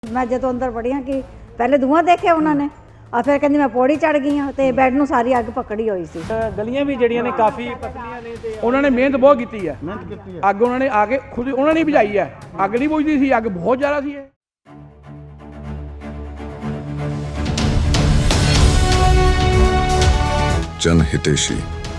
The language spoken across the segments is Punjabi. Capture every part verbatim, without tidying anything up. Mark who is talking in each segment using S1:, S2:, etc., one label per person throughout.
S1: मैं जो अंदर वड़ी हाँ कि पहले धुआं देखे उन्होंने और फिर कहती मैं पौड़ी चढ़ गई हाँ तो बैड ਨੂੰ ਸਾਰੀ ਅੱਗ ਪਕੜੀ ਹੋਈ ਸੀ।
S2: ਗਲੀਆਂ ਵੀ ਜਿਹੜੀਆਂ ਨੇ ਕਾਫੀ ਪਤਲੀਆਂ ਨੇ ਤੇ
S3: ਉਹਨਾਂ ਨੇ ਮਿਹਨਤ ਬਹੁਤ ਕੀਤੀ ਹੈ ਮਿਹਨਤ ਕੀਤੀ ਹੈ ਅੱਗ ਉਹਨਾਂ ਨੇ ਆ ਕੇ ਖੁਦ ਉਹਨਾਂ ਨੇ ਬੁਝਾਈ ਹੈ। ਅੱਗ ਨਹੀਂ ਬੁਝਦੀ ਸੀ, ਅੱਗ ਬਹੁਤ ਜ਼ਿਆਦਾ ਸੀ। ਇਹ
S4: जन हितेशी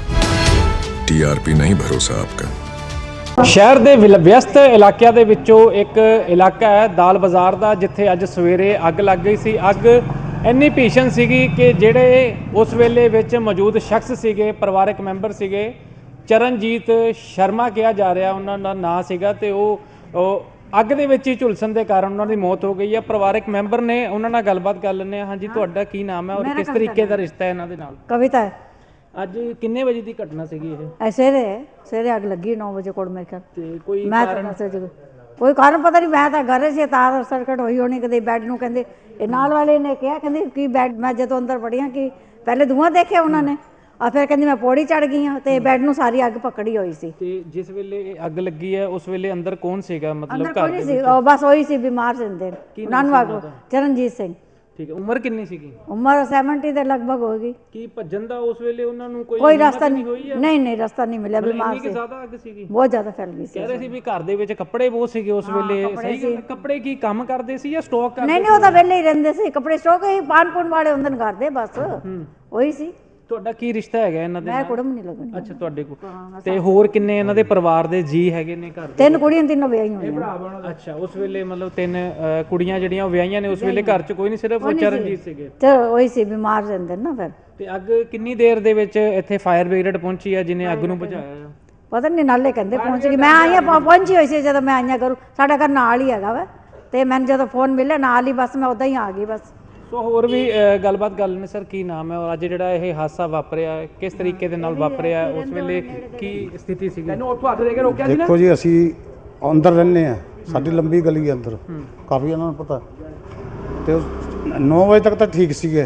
S4: टीआरपी नहीं भरोसा आपका।
S2: ਸ਼ਹਿਰ ਦੇ ਵਿਅਸਤ ਇਲਾਕਿਆਂ ਦੇ ਵਿੱਚੋਂ ਇੱਕ ਇਲਾਕਾ ਹੈ ਦਾਲ ਬਾਜ਼ਾਰ ਦਾ, ਜਿੱਥੇ ਅੱਜ ਸਵੇਰੇ ਅੱਗ ਲੱਗ ਗਈ ਸੀ। ਅੱਗ ਇੰਨੀ ਭੀਸ਼ਣ ਸੀਗੀ ਕਿ ਜਿਹੜੇ ਉਸ ਵੇਲੇ ਵਿੱਚ ਮੌਜੂਦ ਸ਼ਖਸ ਸੀਗੇ, ਪਰਿਵਾਰਕ ਮੈਂਬਰ ਸੀਗੇ, ਚਰਨਜੀਤ ਸ਼ਰਮਾ ਕਿਹਾ ਜਾ ਰਿਹਾ ਉਹਨਾਂ ਦਾ ਨਾਂ ਸੀਗਾ, ਤੇ ਉਹ ਅੱਗ ਦੇ ਵਿੱਚ ਹੀ ਝੁਲਸਣ ਦੇ ਕਾਰਨ ਉਹਨਾਂ ਦੀ ਮੌਤ ਹੋ ਗਈ ਹੈ। ਪਰਿਵਾਰਕ ਮੈਂਬਰ ਨੇ, ਉਹਨਾਂ ਨਾਲ ਗੱਲਬਾਤ ਕਰ ਲੈਂਦੇ ਹਾਂ। ਹਾਂਜੀ, ਤੁਹਾਡਾ ਕੀ ਨਾਮ ਹੈ ਔਰ ਕਿਸ ਤਰੀਕੇ ਦਾ ਰਿਸ਼ਤਾ ਹੈ ਇਹਨਾਂ ਦੇ ਨਾਲ?
S1: ਕਵਿਤਾ
S2: ਅੱਜ ਕਿੰਨੇ ਵਜੇ ਦੀ ਘਟਨਾ ਸੀਗੀ ਇਹ?
S1: ਸਵੇਰੇ ਸਵੇਰੇ ਅੱਗ ਲੱਗੀ ਨੌ ਵਜੇ ਕੋਲ ਮੇਰੇ ਖਿਆਲ।
S2: ਤੇ ਕੋਈ
S1: ਮੈਂ ਤਾਂ ਕੋਈ ਕਾਰਨ ਪਤਾ ਨਹੀਂ, ਮੈਂ ਤਾਂ ਘਰੇ ਸੀ, ਤਾਰ ਸਰਕਟ ਹੋਈ ਹੋਣੀ ਕਦੇ ਬੈੱਡ ਨੂੰ। ਕਹਿੰਦੇ ਇਹ ਨਾਲ ਵਾਲੇ ਨੇ ਕਿਹਾ, ਕਹਿੰਦੇ ਕਿ ਬੈੱਡ, ਮੈਂ ਜਦੋਂ ਅੰਦਰ ਵੜੀ ਹਾਂ ਕਿ ਪਹਿਲੇ ਧੂਆਂ ਦੇਖਿਆ ਉਹਨਾਂ ਨੇ और फिर कहती मैं पौड़ी चढ़ गई हाँ तो बैड ਨੂੰ ਸਾਰੀ ਅੱਗ ਪਕੜੀ ਹੋਈ ਸੀ।
S2: ਤੇ ਜਿਸ ਵੇਲੇ ਇਹ ਅੱਗ ਲੱਗੀ ਹੈ ਉਸ ਵੇਲੇ ਅੰਦਰ ਕੌਣ ਸੀਗਾ? ਮਤਲਬ
S1: ਘਰ ਦੇ ਵਿੱਚ ਉਹ ਬਸ ਉਹੀ ਸੀ, ਬਿਮਾਰ ਸਿੰਦੇ ਉਹਨਾਂ ਨੂੰ ਅੱਗ। ਚਰਨਜੀਤ ਸਿੰਘ।
S2: ਠੀਕ ਹੈ। ਉਮਰ ਕਿੰਨੀ ਸੀਗੀ?
S1: ਉਮਰ ਸੱਤਰ ਦੇ ਲਗਭਗ ਹੋਏਗੀ।
S2: ਕੀ ਭੱਜਣ ਦਾ ਉਸ ਵੇਲੇ ਉਹਨਾਂ ਨੂੰ ਕੋਈ
S1: ਕੋਈ ਰਸਤਾ ਨਹੀਂ ਹੋਈ? ਨਹੀਂ ਨਹੀਂ ਰਸਤਾ ਨਹੀਂ ਮਿਲਿਆ, ਬਿਮਾਰ ਸੀ।
S2: ਜ਼ਿਆਦਾ ਅੱਗ ਸੀਗੀ,
S1: ਬਹੁਤ ਜ਼ਿਆਦਾ ਫੈਲ ਗਈ ਸੀ।
S2: ਕਹਿ ਰਹੇ ਸੀ ਵੀ ਘਰ ਦੇ ਵਿੱਚ ਕੱਪੜੇ ਬਹੁਤ ਸੀਗੇ ਉਸ ਵੇਲੇ। ਸਹੀ ਗੱਲ? ਕੱਪੜੇ ਕੀ ਕੰਮ ਕਰਦੇ ਸੀ ਜਾਂ ਸਟਾਕ ਕਰਦੇ?
S1: ਨਹੀਂ ਨਹੀਂ, ਉਹ ਤਾਂ ਵਿਹਲੇ ਹੀ ਰਹਿੰਦੇ ਸੀ, ਕੱਪੜੇ ਸਟਾਕ ਹੀ ਪਾਣ ਪੁਣ ਵਾਲੇ ਹੁੰਦੇ ਨੇ ਘਰ ਦੇ, ਬਸ ਉਹੀ ਸੀ।
S2: ਤੁਹਾਡਾ ਕੀ ਰਿਸ਼ਤਾ ਹੈਗਾ ਇਹਨਾਂ ਦੇ ਨਾਲ?
S1: ਮੈਂ ਕੁੜਮ ਨਹੀਂ ਲੱਗਣੀ।
S2: ਅੱਛਾ, ਤੁਹਾਡੇ ਕੋਲ। ਤੇ ਹੋਰ ਕਿੰਨੇ ਇਹਨਾਂ ਦੇ ਪਰਿਵਾਰ ਦੇ ਜੀ ਹੈਗੇ ਨੇ ਘਰ ਦੇ?
S1: ਤਿੰਨ ਕੁੜੀਆਂ ਤਿੰਨੋਂ ਵਿਆਹੀਆਂ ਹੋਈਆਂ।
S2: ਅੱਛਾ, ਉਸ ਵੇਲੇ ਮਤਲਬ ਤਿੰਨ ਕੁੜੀਆਂ ਜਿਹੜੀਆਂ ਉਹ ਵਿਆਹੀਆਂ ਨੇ, ਉਸ ਵੇਲੇ ਘਰ 'ਚ ਕੋਈ ਨਹੀਂ, ਸਿਰਫ ਚਰਨਜੀਤ ਸੀਗੇ।
S1: ਤੇ ਉਹੀ ਸੀ, ਬਿਮਾਰ ਰਹਿੰਦੇ ਨਾ ਫਿਰ।
S2: ਤੇ ਅੱਗ ਕਿੰਨੀ ਦੇਰ ਦੇ ਵਿੱਚ ਇੱਥੇ ਫਾਇਰ ਬ੍ਰਿਗੇਡ ਪਹੁੰਚੀ ਹੈ ਜਿਹਨੇ ਅੱਗ ਨੂੰ ਬੁਝਾਇਆ?
S1: ਪਤਾ ਨਹੀਂ, ਨਾਲੇ ਕਹਿੰਦੇ ਪਹੁੰਚ ਗਈ। ਮੈਂ ਆਈਆਂ ਪਹੁੰਚੀ ਹੋਈ ਸੀ ਜਦੋਂ ਮੈਂ ਆਈਆਂ ਕਰੂ, ਸਾਡਾ ਘਰ ਨਾਲ ਹੀ ਹੈਗਾ ਵਾ, ਤੇ ਮੈਨੂੰ ਜਦੋਂ ਫੋਨ ਮਿਲਿਆ ਨਾਲ ਹੀ ਬਸ ਮੈਂ ਉਦਾਂ ਹੀ ਆ ਗਈ ਬਸ।
S2: ਸੋ ਹੋਰ ਵੀ ਗੱਲਬਾਤ ਕਰ ਲੈਣੇ। ਸਰ, ਕੀ ਨਾਮ ਹੈ ਔਰ ਅੱਜ ਜਿਹੜਾ ਇਹ ਹਾਦਸਾ ਵਾਪਰਿਆ ਕਿਸ ਤਰੀਕੇ ਦੇ ਨਾਲ ਵਾਪਰਿਆ? ਉਸ ਵੇਲੇ ਕੀ ਸਥਿਤੀ ਸੀਗੀ?
S3: ਮੈਨੂੰ ਉੱਥੋਂ ਹੱਥ ਦੇ ਕੇ ਰੋਕਿਆ ਸੀ ਨਾ।
S5: ਦੇਖੋ ਜੀ, ਅਸੀਂ ਅੰਦਰ ਰਹਿੰਦੇ ਆ, ਸਾਡੀ ਲੰਬੀ ਗਲੀ ਹੈ ਅੰਦਰ, ਕਾਫੀ ਇਹਨਾਂ ਨੂੰ ਪਤਾ। ਤੇ ਨੌ ਵਜੇ ਤੱਕ ਤਾਂ ਠੀਕ ਸੀਗੇ,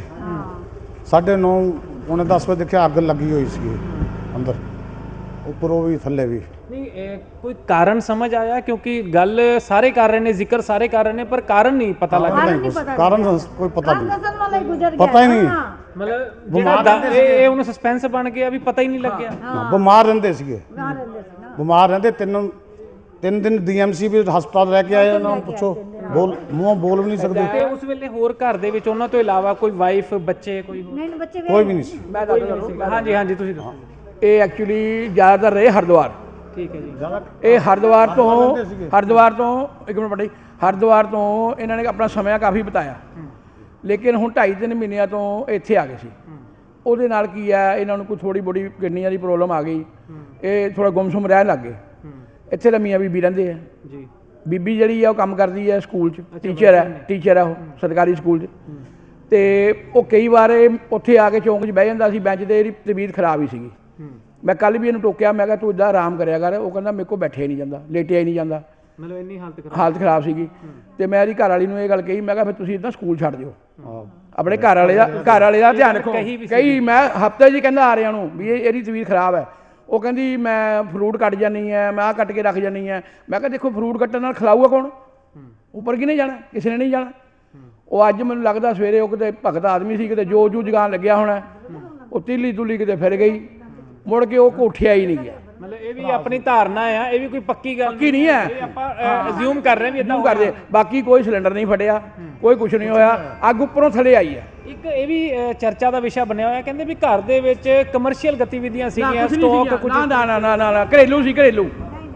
S5: ਸਾਢੇ ਨੌ ਪੌਣੇ ਦਸ ਵਜੇ ਦੇਖਿਆ ਅੱਗ ਲੱਗੀ ਹੋਈ ਸੀਗੀ ਅੰਦਰ, ਉੱਪਰੋਂ ਵੀ ਥੱਲੇ ਵੀ।
S2: ਨਹੀਂ, ਕੋਈ ਕਾਰਨ ਸਮਝ ਆਇਆ? ਕਿਉਂਕਿ ਗੱਲ ਸਾਰੇ ਕਰ ਰਹੇ ਨੇ, ਜ਼ਿਕਰ ਸਾਰੇ ਕਰ ਰਹੇ ਨੇ, ਪਰ ਕਾਰਨ ਨਹੀਂ ਪਤਾ ਲੱਗ ਰਿਹਾ।
S5: ਕਾਰਨ ਕੋਈ ਪਤਾ ਨਹੀਂ,
S1: ਪਤਾ
S5: ਹੀ ਨਹੀਂ।
S2: ਮਤਲਬ ਜਿਹੜਾ ਇਹ ਉਹਨੂੰ ਸਸਪੈਂਸ ਬਣ ਗਿਆ ਵੀ ਪਤਾ ਹੀ ਨਹੀਂ ਲੱਗਿਆ।
S5: ਬਿਮਾਰ ਰਹਿੰਦੇ ਸੀਗੇ, ਬਿਮਾਰ ਰਹਿੰਦੇ। ਤਿੰਨ ਤਿੰਨ ਦਿਨ ਡੀਐਮਸੀ ਵੀ ਹਸਪਤਾਲ ਰਹਿ ਕੇ ਆਏ, ਉਹਨਾਂ ਨੂੰ ਪੁੱਛੋ, ਬੋਲ ਮੂੰਹ ਬੋਲ ਵੀ ਨਹੀਂ ਸਕਦੇ।
S2: ਤੇ ਉਸ ਵੇਲੇ ਹੋਰ ਘਰ ਦੇ ਵਿੱਚ ਉਹਨਾਂ ਤੋਂ ਇਲਾਵਾ ਕੋਈ ਵਾਈਫ, ਬੱਚੇ, ਕੋਈ
S5: ਕੋਈ ਵੀ ਨਹੀਂ ਸੀ।
S3: ਮੈਂ ਦੱਸਦਾ।
S2: ਹਾਂਜੀ ਹਾਂਜੀ, ਤੁਸੀਂ ਦੱਸੋ।
S3: ਇਹ ਐਕਚੁਅਲੀ ਜ਼ਿਆਦਾਤਰ ਰਹੇ ਹਰਿਦੁਆਰ।
S2: ਠੀਕ ਹੈ ਜੀ।
S3: ਇਹ ਹਰਿਦੁਆਰ ਤੋਂ ਹਰਿਦੁਆਰ ਤੋਂ ਇੱਕ ਮਿੰਟ ਬੜੀ ਹਰਿਦੁਆਰ ਤੋਂ ਇਹਨਾਂ ਨੇ ਆਪਣਾ ਸਮਾਂ ਕਾਫੀ ਬਿਤਾਇਆ, ਲੇਕਿਨ ਹੁਣ ਢਾਈ ਤਿੰਨ ਮਹੀਨਿਆਂ ਤੋਂ ਇੱਥੇ ਆ ਗਏ ਸੀ। ਉਹਦੇ ਨਾਲ ਕੀ ਹੈ, ਇਹਨਾਂ ਨੂੰ ਕੋਈ ਥੋੜੀ ਬੋੜੀ ਕਿਡਨੀਆਂ ਦੀ ਪ੍ਰੋਬਲਮ ਆ ਗਈ, ਇਹ ਥੋੜਾ ਗੁੰਮਸੁੰਮ ਰਹਿਣ ਲੱਗ ਗਏ। ਇੱਥੇ ਤਾਂ ਮੀਆਂ ਬੀਬੀ ਰਹਿੰਦੇ ਆ ਜੀ। ਬੀਬੀ ਜਿਹੜੀ ਆ ਉਹ ਕੰਮ ਕਰਦੀ ਹੈ ਸਕੂਲ 'ਚ, ਟੀਚਰ ਹੈ ਟੀਚਰ ਹੈ ਉਹ ਸਰਕਾਰੀ ਸਕੂਲ 'ਚ। ਤੇ ਉਹ ਕਈ ਵਾਰ ਉੱਥੇ ਆ ਕੇ ਚੌਂਕ 'ਚ ਬਹਿ ਜਾਂਦਾ ਸੀ ਬੈਂਚ 'ਤੇ, ਇਹਦੀ ਤਬੀਅਤ ਖਰਾਬ ਹੀ ਸੀਗੀ। ਮੈਂ ਕੱਲ ਵੀ ਇਹਨੂੰ ਟੋਕਿਆ, ਮੈਂ ਕਿਹਾ ਤੂੰ ਇੱਦਾਂ ਆਰਾਮ ਕਰਿਆ ਕਰ। ਉਹ ਕਹਿੰਦਾ ਮੇਰੇ ਕੋਲ ਬੈਠਿਆ ਹੀ ਨਹੀਂ ਜਾਂਦਾ, ਲੇਟਿਆ ਹੀ ਨਹੀਂ ਜਾਂਦਾ,
S2: ਮਤਲਬ ਇੰਨੀ ਹਾਲਤ ਖਰਾਬ
S3: ਹਾਲਤ ਖਰਾਬ ਸੀਗੀ। ਤੇ ਮੈਂ ਇਹਦੀ ਘਰ ਵਾਲੀ ਨੂੰ ਇਹ ਗੱਲ ਕਹੀ, ਮੈਂ ਕਿਹਾ ਫਿਰ ਤੁਸੀਂ ਇੱਦਾਂ ਸਕੂਲ ਛੱਡ ਦਿਓ, ਆਪਣੇ ਘਰ ਵਾਲੇ ਦਾ ਘਰ ਵਾਲੇ ਦਾ ਧਿਆਨ ਰੱਖੋ। ਕਹੀ ਮੈਂ ਹਫ਼ਤੇ ਜੀ ਕਹਿੰਦਾ ਆ ਰਿਹਾ ਨੂੰ ਵੀ ਇਹ ਇਹਦੀ ਤਬੀਅਤ ਖਰਾਬ ਹੈ। ਉਹ ਕਹਿੰਦੀ ਮੈਂ ਫਰੂਟ ਕੱਟ ਜਾਂਦੀ ਹੈ, ਮੈਂ ਆਹ ਕੱਟ ਕੇ ਰੱਖ ਜਾਂਦੀ ਹੈ। ਮੈਂ ਕਿਹਾ ਦੇਖੋ, ਫਰੂਟ ਕੱਟਣ ਨਾਲ ਖਿਲਾਊਗਾ ਕੌਣ? ਉੱਪਰ ਕਿਹਨੇ ਜਾਣਾ? ਕਿਸੇ ਨੇ ਨਹੀਂ ਜਾਣਾ। ਉਹ ਅੱਜ ਮੈਨੂੰ ਲੱਗਦਾ ਸਵੇਰੇ ਉਹ ਕਿਤੇ ਭਗਤ ਆਦਮੀ ਸੀ, ਕਿਤੇ ਜੋ ਜੂ ਜਗਾਨ ਲੱਗਿਆ ਹੋਣਾ, ਉਹ ਤੀਲੀ ਤੁਲੀ ਕਿਤੇ ਫਿਰ ਗਈ, ਮੁੜ ਕੇ ਉਹ ਕੋਠਿਆ ਹੀ ਨਹੀਂ ਗਿਆ।
S2: ਮਤਲਬ ਇਹ ਵੀ ਆਪਣੀ ਧਾਰਨਾ ਆ, ਇਹ ਵੀ ਕੋਈ ਪੱਕੀ ਗੱਲ
S3: ਪੱਕੀ ਨਹੀਂ ਹੈ,
S2: ਇਹ ਆਪਾਂ ਅਸਿਊਮ ਕਰ ਰਹੇ ਵੀ ਇਦਾਂ
S3: ਕਰਦੇ। ਬਾਕੀ ਕੋਈ ਸਿਲੰਡਰ ਨਹੀਂ ਫਟਿਆ, ਕੋਈ ਕੁਝ ਨਹੀਂ ਹੋਇਆ, ਅੱਗ ਉੱਪਰੋਂ ਥੱਲੇ ਆਈ ਹੈ।
S2: ਇੱਕ ਇਹ ਵੀ ਚਰਚਾ ਦਾ ਵਿਸ਼ਾ ਬਣਿਆ ਹੋਇਆ, ਕਹਿੰਦੇ ਵੀ ਘਰ ਦੇ ਵਿੱਚ ਕਮਰਸ਼ੀਅਲ ਗਤੀਵਿਧੀਆਂ ਸੀਗੀਆਂ, ਸਟਾਕ ਕੁਝ
S3: ਨਾ ਨਾ ਨਾ ਨਾ ਘਰੇਲੂ ਸੀ, ਘਰੇਲੂ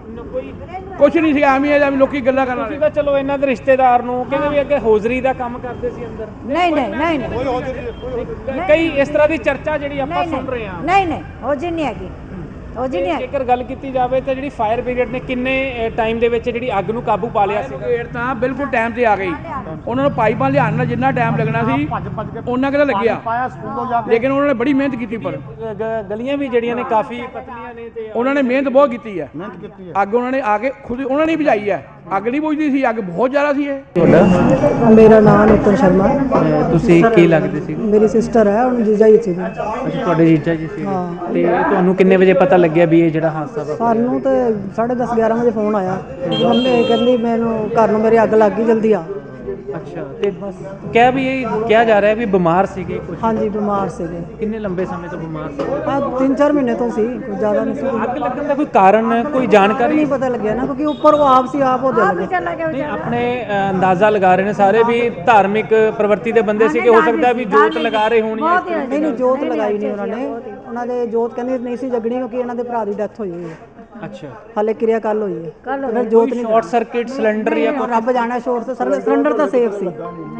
S3: ਕੁਛ ਨਹੀਂ ਸੀ। ਐਵੇਂ ਇਹਦਾ ਵੀ ਲੋਕੀ ਗੱਲਾਂ ਕਰਨ ਵਾਲੇ।
S2: ਤਾਂ ਚਲੋ ਇਹਨਾਂ ਦੇ ਰਿਸ਼ਤੇਦਾਰ ਨੂੰ ਕਹਿੰਦੇ ਵੀ ਅੱਗੇ ਹੋਜ਼ਰੀ ਦਾ ਕੰਮ ਕਰਦੇ ਸੀ ਅੰਦਰ।
S1: ਨਹੀਂ ਨਹੀਂ ਨਹੀਂ ਨਹੀਂ,
S2: ਕਈ ਇਸ ਤਰ੍ਹਾਂ ਦੀ ਚਰਚਾ ਜਿਹੜੀ ਆਪਾਂ ਸੁਣ ਰਹੇ ਹਾਂ।
S1: ਨਹੀਂ ਨਹੀਂ, ਉਹ ਜੀ ਨਹੀਂ ਹੈਗੀ, ਉਹ ਜੀ ਨਹੀਂ।
S2: ਜੇਕਰ ਗੱਲ ਕੀਤੀ ਜਾਵੇ ਤਾਂ ਜਿਹੜੀ ਫਾਇਰ ਬ੍ਰਿਗੇਡ ਨੇ ਕਿੰਨੇ ਟਾਈਮ ਦੇ ਵਿੱਚ ਜਿਹੜੀ ਅੱਗ ਨੂੰ ਕਾਬੂ ਪਾ ਲਿਆ ਸੀ?
S3: ਬ੍ਰਿਗੇਡ ਤਾਂ ਬਿਲਕੁਲ ਟਾਈਮ ਤੇ ਆ ਗਈ। ਉਹਨਾਂ ਨੂੰ ਪਾਈਪਾਂ ਲਿਆਉਣ ਨਾਲ ਜਿੰਨਾ ਟਾਈਮ ਲੱਗਣਾ ਸੀ ਉਹਨਾਂ ਕਿਹਦਾ ਲੱਗਿਆ, ਲੇਕਿਨ ਉਹਨਾਂ ਨੇ ਬੜੀ ਮਿਹਨਤ ਕੀਤੀ। ਪਰ
S2: ਗਲੀਆਂ ਵੀ ਜਿਹੜੀਆਂ ਨੇ ਕਾਫੀ ਪਤਲੀਆਂ ਨੇ ਤੇ
S3: ਉਹਨਾਂ ਨੇ ਮਿਹਨਤ ਬਹੁਤ ਕੀਤੀ ਹੈ। ਅੱਗ ਉਹਨਾਂ ਨੇ ਆ ਕੇ ਖੁਦ ਉਹਨਾਂ ਨੇ ਬੁਝਾਈ ਹੈ। ਅੱਗ ਨਹੀਂ ਬੁਝਦੀ ਸੀ, ਅੱਗ ਬਹੁਤ ਜ਼ਿਆਦਾ ਸੀ। ਇਹ
S2: ਤੁਹਾਡਾ?
S6: ਮੇਰਾ ਨਾਮ ਨਿਤਨ ਸ਼ਰਮਾ।
S2: ਤੁਸੀਂ ਕੀ ਲੱਗਦੇ ਸੀ?
S6: ਮੇਰੀ ਸਿਸਟਰ ਹੈ, ਉਹਨੂੰ ਜੀਜਾ ਹੀ ਸੀ।
S2: ਅੱਛਾ, ਤੁਹਾਡੇ ਜੀਜਾ ਜੀ ਸੀ। ਤੇ ਤੁਹਾਨੂੰ ਕਿੰਨੇ ਵਜੇ ਪਤਾ ਲੱਗਿਆ ਵੀ ਇਹ ਜਿਹੜਾ ਹਾਦਸਾ ਵਾ?
S6: ਸਾਨੂੰ ਤੇ ਸਾਢੇ ਦਸ ਗਿਆਰਾਂ ਵਜੇ ਫੋਨ ਆਇਆ, ਮੰਮੀ ਕਹਿੰਦੀ ਮੈਨੂੰ ਘਰ ਨੂੰ ਮੇਰੇ ਅੱਗ ਲੱਗ ਗਈ, ਜਲਦੀ ਆ।
S2: ਅੱਛਾ ਤੇ ਕਹਿ ਵੀ ਇਹ ਕਿਹਾ ਜਾ ਰਿਹਾ ਵੀ ਬਿਮਾਰ ਸੀਗੇ ਕੁਝ
S6: ਹਾਂਜੀ ਬਿਮਾਰ ਸੀਗੇ
S2: ਕਿੰਨੇ ਲੰਬੇ ਸਮੇਂ ਤੋਂ ਬਿਮਾਰ ਸੀ
S6: ਆ ਤਿੰਨ ਚਾਰ ਮਹੀਨੇ ਤੋਂ ਸੀ ਕੋਈ ਜ਼ਿਆਦਾ ਨਹੀਂ ਸੀ
S2: ਅੱਗ ਲੱਗਣ ਦਾ ਕੋਈ ਕਾਰਨ ਕੋਈ ਜਾਣਕਾਰੀ
S6: ਨਹੀਂ ਪਤਾ ਲੱਗਿਆ ਨਾ ਕਿਉਂਕਿ ਉੱਪਰ ਉਹ ਆਪ ਸੀ ਆਪ ਉਹਦੇ ਲੱਗੇ
S2: ਨਹੀਂ ਆਪਣੇ ਅ, ਅੰਦਾਜ਼ਾ ਲਗਾ ਰਹੇ ਨੇ ਸਾਰੇ ਵੀ ਧਾਰਮਿਕ ਪ੍ਰਵਰਤੀ ਦੇ ਬੰਦੇ ਸੀ ਕਿ ਹੋ ਸਕਦਾ ਵੀ ਜੋਤ ਲਗਾ ਰਹੇ ਹੋਣੀ ਹੈ
S6: ਨਹੀਂ ਨਹੀਂ ਜੋਤ ਲਗਾਈ ਨਹੀਂ ਉਹਨਾਂ ਨੇ ਉਹਨਾਂ ਦੇ ਜੋਤ ਕਹਿੰਦੇ ਨਹੀਂ ਸੀ ਜਗਣੀ ਕਿਉਂਕਿ ਇਹਨਾਂ ਦੇ ਭਰਾ ਦੀ ਡੈਥ ਹੋਈ ਹੋਈ ਹੈ
S2: ਅੱਛਾ
S6: ਹਾਲੇ ਕਿਰਿਆ ਕੱਲ ਹੋਈ ਹੈ ਫਿਰ ਜੋਤ ਨਹੀਂ
S2: ਸ਼ਾਰਟ ਸਰਕਟ ਸਿਲੰਡਰ ਜਾਂ
S6: ਉਹ ਰੱਬ ਜਾਣਾ ਸ਼ੋਰ ਸੇ ਸਿਲੰਡਰ ਤਾਂ ਸੇਫ ਸੀ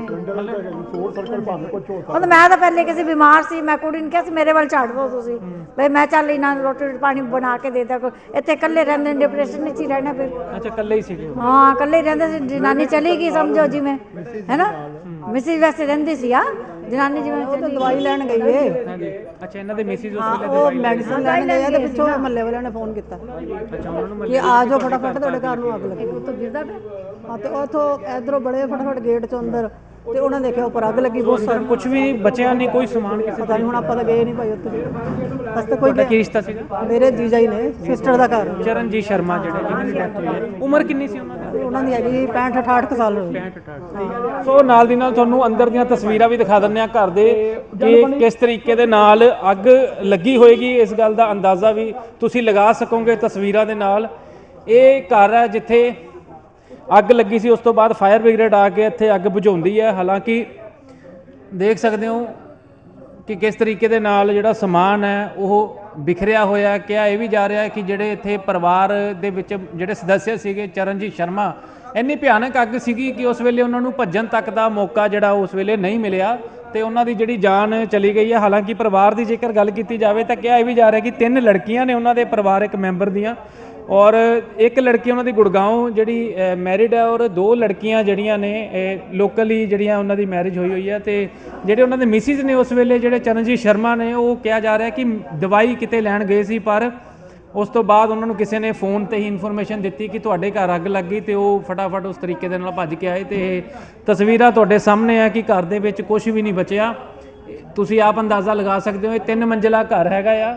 S1: ਉਹ ਮੈਂ ਤਾਂ ਪਹਿਲੇ ਕਿਸੇ ਬਿਮਾਰ ਸੀ ਮੈਂ ਕੁੜੀ ਨੂੰ ਕਿਹਾ ਸੀ ਮੇਰੇ ਵੱਲ ਛੱਡ ਦਿਓ ਤੁਸੀਂ ਬਈ ਮੈਂ ਚੱਲ ਇਹਨਾਂ ਨੂੰ ਰੋਟੀ ਪਾਣੀ ਬਣਾ ਕੇ ਦੇ ਦਿਆ ਕੋ ਇੱਥੇ ਇਕੱਲੇ ਰਹਿੰਦੇ ਡਿਪਰੈਸ਼ਨ ਵਿੱਚ ਹੀ ਰਹਿਣਾ ਫਿਰ
S2: ਅੱਛਾ ਇਕੱਲੇ ਹੀ ਸੀਗੇ ਉਹ।
S1: ਹਾਂ ਇਕੱਲੇ ਹੀ ਰਹਿੰਦੇ ਸੀ ਜਨਾਨੀ ਚਲੀ ਗਈ ਸਮਝੋ ਜਿਵੇਂ ਹੈ ਨਾ ਮਿਸਿਸ ਵੈਸੇ ਰਹਿੰਦੀ ਸੀ ਆ ਜਨਾਨੀ ਜਿਵੇਂ
S6: ਉਹ ਤਾਂ ਦਵਾਈ ਲੈਣ ਗਈ ਏ
S2: ਹਾਂਜੀ ਅੱਛਾ ਇਹਨਾਂ ਦੇ ਮਿਸਿਸ ਉਸ
S6: ਹਾਂ,
S2: ਵੇਲੇ
S6: ਉਹ ਮੈਡੀਸਿਨ ਲੈਣ ਗਏ ਆ ਤੇ ਪਿੱਛੋਂ ਮਹੱਲੇ ਵਾਲਿਆਂ ਨੇ ਫੋਨ ਕੀਤਾ
S2: ਅੱਛਾ ਉਹਨਾਂ ਨੂੰ
S6: ਕਿ ਆ ਜਾਓ ਫਟਾਫਟ ਤੁਹਾਡੇ ਘਰ ਨੂੰ ਅੱਗ ਲੱਗੀ
S1: ਉੱਤੋਂ ਗਿਰਦਾ ਪਿਆ
S6: ਹਾਂ ਤੇ ਉਥੋਂ ਇਧਰੋਂ ਬੜੇ ਫਟਾਫਟ ਗੇਟ ਚੋਂ ਅੰਦਰ ਤੇ ਉਹਨਾਂ ਦੇਖਿਆ ਉੱਪਰ ਅੱਗ ਲੱਗੀ ਬਹੁਤ ਸਾਰੀ
S2: ਕੁਝ ਵੀ ਬਚਿਆ ਨਹੀਂ ਕੋਈ ਸਮਾਨ ਕਿਸੇ
S6: ਪਤਾ ਨਹੀਂ ਹੁਣ ਆਪਾਂ ਤਾਂ ਗਏ ਨਹੀਂ ਭਾਈ ਉੱਥੇ ਬਸ ਤਾਂ ਕੋਈ
S2: ਦਾ ਕੀ ਰਿਸ਼ਤਾ ਸੀਗਾ
S6: ਮੇਰੇ ਜੀਜਾ ਹੀ ਨੇ ਸਿਸਟਰ ਦਾ ਘਰ
S2: ਚਰਨਜੀਤ ਸ਼ਰਮਾ ਜਿਹੜੇ ਜਿਨ੍ਹਾਂ ਦੀ ਡੈਥ ਹੋਈ ਹੈ ਉਮਰ ਕਿੰਨੀ ਸੀ ਉਹਨਾਂ ਦੀ
S6: ਤੇ ਉਹਨਾਂ ਦੀ ਹੈਗੀ ਪੈਂਹਠ ਅਠਾਹਠ ਕੁ ਸਾਲ ਹੋਈ
S2: ਸੋ ਨਾਲ ਦੀ ਨਾਲ ਤੁਹਾਨੂੰ ਅੰਦਰ ਦੀਆਂ ਤਸਵੀਰਾਂ ਵੀ ਦਿਖਾ ਦਿੰਦੇ ਆ ਘਰ ਦੇ ਕਿ ਕਿਸ ਤਰੀਕੇ ਦੇ ਨਾਲ ਅੱਗ ਲੱਗੀ ਹੋਏਗੀ ਇਸ ਗੱਲ ਦਾ ਅੰਦਾਜ਼ਾ ਵੀ ਤੁਸੀਂ ਲਗਾ ਸਕੋਗੇ ਤਸਵੀਰਾਂ ਦੇ ਨਾਲ ਇਹ ਘਰ ਹੈ ਜਿੱਥੇ ਅੱਗ ਲੱਗੀ ਸੀ ਉਸ ਤੋਂ ਬਾਅਦ ਫਾਇਰ ਬ੍ਰਿਗੇਡ ਆ ਕੇ ਇੱਥੇ ਅੱਗ ਬੁਝਾਉਂਦੀ ਹੈ ਹਾਲਾਂਕਿ ਦੇਖ ਸਕਦੇ ਹੋ ਕਿ ਕਿਸ ਤਰੀਕੇ ਦੇ ਨਾਲ ਜਿਹੜਾ ਸਮਾਨ ਹੈ ਉਹ ਬਿਖਰਿਆ ਹੋਇਆ ਕਿਹਾ ਇਹ ਵੀ ਜਾ ਰਿਹਾ ਹੈ ਕਿ ਜਿਹੜੇ ਇੱਥੇ ਪਰਿਵਾਰ ਦੇ ਵਿੱਚ ਜਿਹੜੇ ਸਦੱਸਿਆ ਸੀਗੇ ਚਰਨਜੀਤ ਸ਼ਰਮਾ ਇੰਨੀ ਭਿਆਨਕ ਅੱਗ ਸੀਗੀ ਕਿ ਉਸ ਵੇਲੇ ਉਹਨਾਂ ਨੂੰ ਭੱਜਣ ਤੱਕ ਦਾ ਮੌਕਾ ਜਿਹੜਾ ਉਸ ਵੇਲੇ ਨਹੀਂ ਮਿਲਿਆ ਤੇ ਉਹਨਾਂ ਦੀ ਜਿਹੜੀ ਜਾਨ ਚਲੀ ਗਈ ਹੈ ਹਾਲਾਂਕਿ ਪਰਿਵਾਰ ਦੀ ਜੇਕਰ ਗੱਲ ਕੀਤੀ ਜਾਵੇ ਤਾਂ ਕਿਹਾ ਇਹ ਵੀ ਜਾ ਰਿਹਾ ਕਿ ਤਿੰਨ ਲੜਕੀਆਂ ਨੇ ਉਹਨਾਂ ਦੇ ਪਰਿਵਾਰਕ ਮੈਂਬਰ ਦੀਆਂ ਔਰ ਇੱਕ ਲੜਕੀ ਉਹਨਾਂ ਦੀ ਗੁੜਗਾਉਂ ਜਿਹੜੀ ਮੈਰਿਡ ਹੈ ਔਰ ਦੋ ਲੜਕੀਆਂ ਜਿਹੜੀਆਂ ਨੇ ਲੋਕਲੀ ਜਿਹੜੀਆਂ ਉਹਨਾਂ ਦੀ ਮੈਰਿਜ ਹੋਈ ਹੋਈ ਹੈ ਤੇ ਜਿਹੜੇ ਉਹਨਾਂ ਦੇ ਮਿਸਿਸ ਨੇ ਉਸ ਵੇਲੇ ਜਿਹੜੇ ਚਰਨਜੀਤ ਸ਼ਰਮਾ ਨੇ ਉਹ ਕਿਹਾ ਜਾ ਰਿਹਾ ਕਿ ਦਵਾਈ ਕਿਤੇ ਲੈਣ ਗਏ ਸੀ ਪਰ ਉਸ ਤੋਂ ਬਾਅਦ ਉਹਨਾਂ ਨੂੰ ਕਿਸੇ ਨੇ ਫੋਨ ਤੇ ਹੀ ਇਨਫੋਰਮੇਸ਼ਨ ਦਿੱਤੀ ਕਿ ਤੁਹਾਡੇ ਘਰ ਅੱਗ ਲੱਗ ਗਈ ਤੇ ਉਹ ਫਟਾਫਟ ਉਸ ਤਰੀਕੇ ਦੇ ਨਾਲ ਭੱਜ ਕੇ ਆਏ ਤੇ ਇਹ ਤਸਵੀਰਾਂ ਤੁਹਾਡੇ ਸਾਹਮਣੇ ਆ ਕਿ ਘਰ ਦੇ ਵਿੱਚ ਕੁਝ ਵੀ ਨਹੀਂ ਬਚਿਆ ਤੁਸੀਂ ਆਪ ਅੰਦਾਜ਼ਾ ਲਗਾ ਸਕਦੇ ਹੋ ਇਹ ਤਿੰਨ ਮੰਜ਼ਿਲਾ ਘਰ ਹੈਗਾ ਆ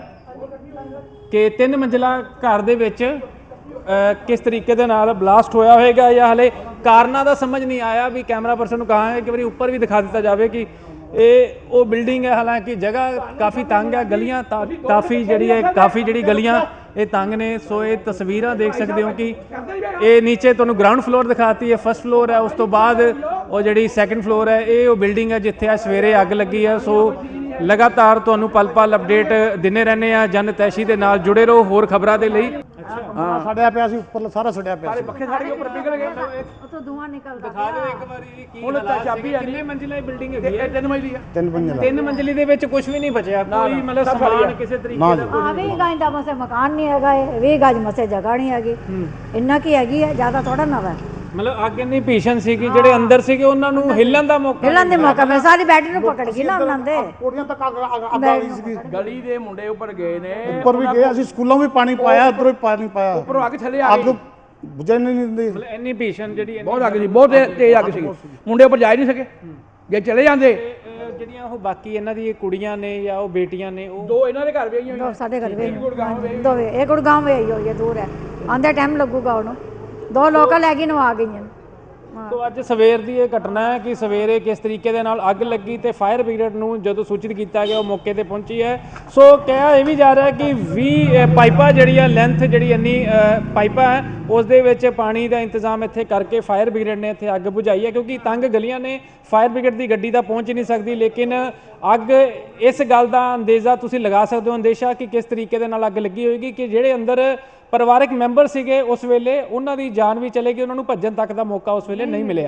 S2: ਕਿ ਤਿੰਨ ਮੰਜ਼ਿਲਾ ਘਰ ਦੇ ਵਿੱਚ ਕਿਸ ਤਰੀਕੇ ਦੇ ਨਾਲ ਬਲਾਸਟ ਹੋਇਆ ਹੋਵੇਗਾ ਜਾਂ ਹਲੇ ਕਾਰਨਾਂ ਦਾ ਸਮਝ ਨਹੀਂ ਆਇਆ ਵੀ ਕੈਮਰਾ ਪਰਸਨ ਨੂੰ ਕਹਾਂਗੇ ਕਿ ਵਾਰੀ ਉੱਪਰ ਵੀ ਦਿਖਾ ਦਿੱਤਾ ਜਾਵੇ ਕਿ ਇਹ ਉਹ ਬਿਲਡਿੰਗ ਹੈ ਹਾਲਾਂਕਿ ਜਗ੍ਹਾ ਕਾਫੀ ਤੰਗ ਹੈ ਗਲੀਆਂ ਕਾਫੀ ਜਿਹੜੀ ਹੈ ਕਾਫੀ ਜਿਹੜੀ ਗਲੀਆਂ ਇਹ ਤੰਗ ਨੇ ਸੋ ਇਹ ਤਸਵੀਰਾਂ ਦੇਖ ਸਕਦੇ ਹੋ ਕਿ ਇਹ ਨੀਚੇ ਤੁਹਾਨੂੰ ਗਰਾਊਂਡ ਫਲੋਰ ਦਿਖਾਤੀ ਹੈ ਫਸਟ ਫਲੋਰ ਹੈ ਉਸ ਤੋਂ ਬਾਅਦ ਉਹ ਜਿਹੜੀ ਸੈਕੰਡ ਫਲੋਰ ਹੈ ਇਹ ਉਹ ਬਿਲਡਿੰਗ ਹੈ ਜਿੱਥੇ ਆ ਸਵੇਰੇ ਅੱਗ ਲੱਗੀ ਹੈ ਸੋ ਲਗਾਤਾਰ ਤੁਹਾਨੂੰ ਪਲ ਪਲ ਅਪਡੇਟ ਦਿੰਦੇ ਰਹਿੰਦੇ ਆ ਜਨ ਤੈਸ਼ੀ ਦੇ ਨਾਲ ਜੁੜੇ ਰਹੋ ਹੋਰ ਖਬਰਾਂ ਦੇ ਲਈ
S5: ਹਾਂ ਸੜਿਆ ਪਿਆ ਸੀ ਉੱਪਰ ਸਾਰਾ ਸੜਿਆ ਪਿਆ ਸੀ
S3: ਪੱਖੇ ਸਾਡੇ ਉੱਪਰ ਪਿਘਲ ਗਏ
S1: ਉੱਥੋਂ ਧੂਆਂ ਨਿਕਲਦਾ
S2: ਦਿਖਾ ਦਿਓ ਇੱਕ ਵਾਰੀ ਕੀ
S3: ਹੁਣ ਤਾਂ ਚਾਬੀ ਆ
S2: ਕਿੰਨੇ ਮੰਜ਼ਿਲਾ ਇਹ ਬਿਲਡਿੰਗ ਹੈਗੀ ਹੈ
S3: ਤਿੰਨ ਮੰਜ਼ਲੀ ਆ
S5: ਤਿੰਨ ਮੰਜ਼ਿਲਾ
S2: ਤਿੰਨ ਮੰਜ਼ਲੀ ਦੇ ਵਿੱਚ ਕੁਝ ਵੀ ਨਹੀਂ ਬਚਿਆ ਕੋਈ ਮਤਲਬ ਸਮਾਨ ਕਿਸੇ ਤਰੀਕੇ
S5: ਨਾ
S2: ਦਾ
S5: ਜੀ
S1: ਹਾਂ ਵੀਹ ਗਜ ਦਾ ਮਸੇ ਮਕਾਨ ਨਹੀਂ ਹੈਗਾ ਇਹ ਵੀਹ ਗਜ ਮਸੇ ਜਗ੍ਹਾ ਨਹੀਂ ਹੈਗੀ ਇੰਨਾ ਕੀ ਹੈਗੀ ਹੈ ਜ਼ਿਆਦਾ ਥੋੜਾ ਨਾ ਵਾ
S2: ਮਤਲਬ ਅੱਗ ਇੰਨੀ ਭੀਸ਼ਣ ਸੀਗੀ ਜਿਹੜੇ ਅੰਦਰ ਸੀਗੇ ਉਹਨਾਂ ਨੂੰ ਹਿੱਲਣ ਦਾ ਮੌਕਾ
S1: ਹਿੱਲਣ ਦੇ ਮੌਕਾ ਮੈਂ ਸਾਰੀ ਬੈਡ ਨੂੰ ਪਕੜ ਗਈ ਨਾ ਉਹਨਾਂ ਦੇ
S5: ਕੋੜੀਆਂ ਤੱਕ ਅੱਗ ਅੱਗ ਆ ਗਈ ਸੀਗੀ
S3: ਗਲੀ ਦੇ ਮੁੰਡੇ ਉੱਪਰ ਗਏ ਨੇ
S5: ਉੱਪਰ ਵੀ ਗਏ ਅਸੀਂ ਸਕੂਲੋਂ ਵੀ ਪਾਣੀ ਪਾਇਆ ਉੱਧਰੋਂ ਵੀ ਪਾਣੀ ਪਾਇਆ
S3: ਉੱਪਰੋਂ ਅੱਗ ਥੱਲੇ ਆ
S5: ਅੱਗ
S3: ਗਈ
S5: ਬੁਝਣ ਨਹੀਂ ਦਿੰਦੀ
S2: ਮਤਲਬ ਇੰਨੀ ਭੀਸ਼ਣ ਜਿਹੜੀ ਇੰਨੀ-
S3: ਬਹੁਤ ਅੱਗ ਸੀ ਬਹੁਤ ਤੇਜ਼- ਤੇਜ਼ ਅੱਗ ਸੀ ਮੁੰਡੇ ਉੱਪਰ ਜਾ ਹੀ ਨਹੀਂ ਸਕੇ ਜੇ ਚਲੇ ਜਾਂਦੇ
S2: ਇਹ, ਅਹ, ਜਿਹੜੀਆਂ ਉਹ ਬਾਕੀ ਇਹਨਾਂ ਦੀ ਕੁੜੀਆਂ ਨੇ ਜਾਂ ਉਹ ਬੇਟੀਆਂ ਨੇ ਉਹ
S3: ਦੋ ਇਹਨਾਂ ਦੇ ਘਰ ਵੀ ਆਈਆਂ
S1: ਦੋ ਸਾਡੇ ਘਰ ਵੇ ਦੋਵੇਂ ਇਹ ਗੁੜਗਾਂਵ ਵੇ ਹੋਈ ਹੈ ਦੂਰ ਹੈ ਆਂਦੇ ਟਾਈਮ ਲੱਗੂਗਾ ਉਹਨੂੰ ਦੋ ਲੋਕਲ ਹੈਗੀ ਨੂੰ ਆ ਗਈਆਂ
S2: ਸੋ ਅੱਜ ਸਵੇਰ ਦੀ ਇਹ ਘਟਨਾ ਹੈ ਕਿ ਸਵੇਰੇ ਕਿਸ ਤਰੀਕੇ ਦੇ ਨਾਲ ਅੱਗ ਲੱਗੀ ਤੇ ਫਾਇਰ ਬ੍ਰਿਗੇਡ ਨੂੰ ਜਦੋਂ ਸੂਚਿਤ ਕੀਤਾ ਗਿਆ ਉਹ ਮੌਕੇ ਤੇ ਪਹੁੰਚੀ ਹੈ ਸੋ ਕਿਹਾ ਇਹ ਵੀ ਜਾ ਰਿਹਾ ਕਿ ਵੀਹ ਪਾਈਪਾਂ ਜਿਹੜੀਆਂ ਲੈਂਥ ਜਿਹੜੀ ਇੰਨੀ ਪਾਈਪਾਂ ਹੈ ਉਸ ਦੇ ਵਿੱਚ ਪਾਣੀ ਦਾ ਇੰਤਜ਼ਾਮ ਇੱਥੇ ਕਰਕੇ ਫਾਇਰ ਬ੍ਰਿਗੇਡ ਨੇ ਇੱਥੇ ਅੱਗ ਬੁਝਾਈ ਹੈ ਕਿਉਂਕਿ ਤੰਗ ਗਲੀਆਂ ਨੇ ਫਾਇਰ ਬ੍ਰਿਗੇਡ ਦੀ ਗੱਡੀ ਤਾਂ ਪਹੁੰਚ ਨਹੀਂ ਸਕਦੀ ਲੇਕਿਨ ਅੱਗ ਇਸ ਗੱਲ ਦਾ ਅੰਦਾਜ਼ਾ ਤੁਸੀਂ ਲਗਾ ਸਕਦੇ ਹੋ ਅੰਦੇਸ਼ਾ ਕਿ ਕਿਸ ਤਰੀਕੇ ਦੇ ਨਾਲ ਅੱਗ ਲੱਗੀ ਹੋਏਗੀ ਕਿ ਜਿਹੜੇ ਅੰਦਰ ਪਰਿਵਾਰਕ ਮੈਂਬਰ ਸੀਗੇ ਉਸ ਵੇਲੇ ਉਹਨਾਂ ਦੀ ਜਾਨ ਵੀ ਚਲੇ ਗਈ ਉਹਨਾਂ ਨੂੰ ਭੱਜਣ ਤੱਕ ਦਾ ਮੌਕਾ ਉਸ ਵੇਲੇ ਨਹੀਂ ਮਿਲਿਆ